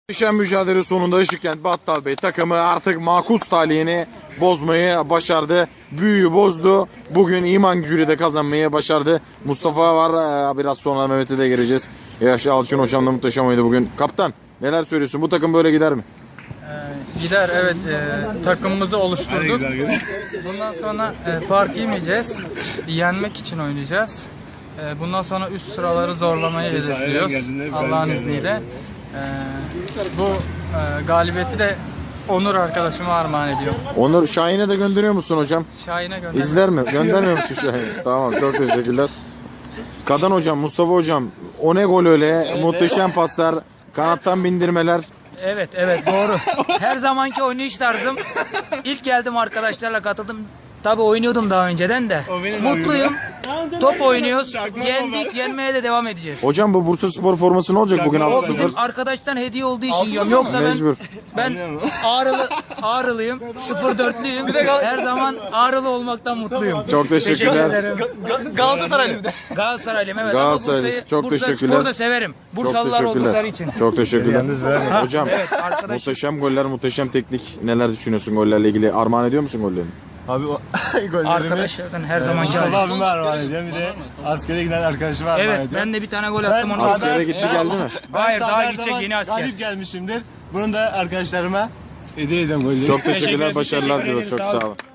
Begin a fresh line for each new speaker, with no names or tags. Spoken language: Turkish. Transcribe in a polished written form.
Düşen mücadele sonunda Işıkkent Battal Bey takımı artık makus talihini bozmayı başardı. Büyüyü bozdu. Bugün iman gücüyle de kazanmayı başardı. Mustafa var. Biraz sonra Mehmet'e de gireceğiz. Yaşlı Alçın hocam da muhteşem oydu bugün. Kaptan neler söylüyorsun? Bu takım böyle gider mi?
Gider, evet. Takımımızı oluşturduk. Bundan sonra fark yemeyeceğiz. Yenmek için oynayacağız. Bundan sonra üst sıraları zorlamayı hedefliyoruz. Allah'ın izniyle. Bu galibiyeti de Onur arkadaşıma armağan ediyorum.
Onur Şahin'e de gönderiyor musun hocam?
Şahin'e gönder.
İzler mi? Göndermiyor musun Şahin? Tamam, çok teşekkürler. Kadan hocam, Mustafa hocam, o ne gol öyle? Muhteşem paslar, kanattan bindirmeler.
Evet doğru. Her zamanki oynayış tarzım. İlk geldim arkadaşlarla katıldım. Tabii oynuyordum daha önceden de. Mutluyum. Top oynuyoruz. Yendik, yenmeye de devam edeceğiz.
Hocam bu Bursaspor forması ne olacak bugün
O bizim
6-0?
arkadaştan hediye olduğu için yiyorum. Yoksa
Mecbur.
ben Ağrılıyım. 04'lüyüm. Her zaman Ağrılı olmaktan mutluyum.
Çok teşekkürler.
Galatasaraylıyım evet. Galatasaraylıyım.
Galatasaraylıyız. Çok
Bursa
teşekkürler.
Spor'u da severim.
Çok
Bursalılar oldukları
teşekkürler.
için.
Çok teşekkürler. Hocam
Evet arkadaş.
muhteşem goller, muhteşem teknik. Neler düşünüyorsun gollerle ilgili? Armağan ediyor musun gollerini?
Abi o gollerimi
Arkadaşlardan her zaman
Mustafa abime armağan ediyorum. Bir de askere giden arkadaşıma armağan
Evet
ediyorum.
ben de bir tane gol attım onu.
Askere gitti geldi mi?
Hayır
Ben
daha
her
gidecek
zaman
yeni asker.
galip gelmişimdir. Bunu da arkadaşlarıma hediye ediyorum golleri.
Çok teşekkürler, başarılar diliyoruz. Çok sağ olun.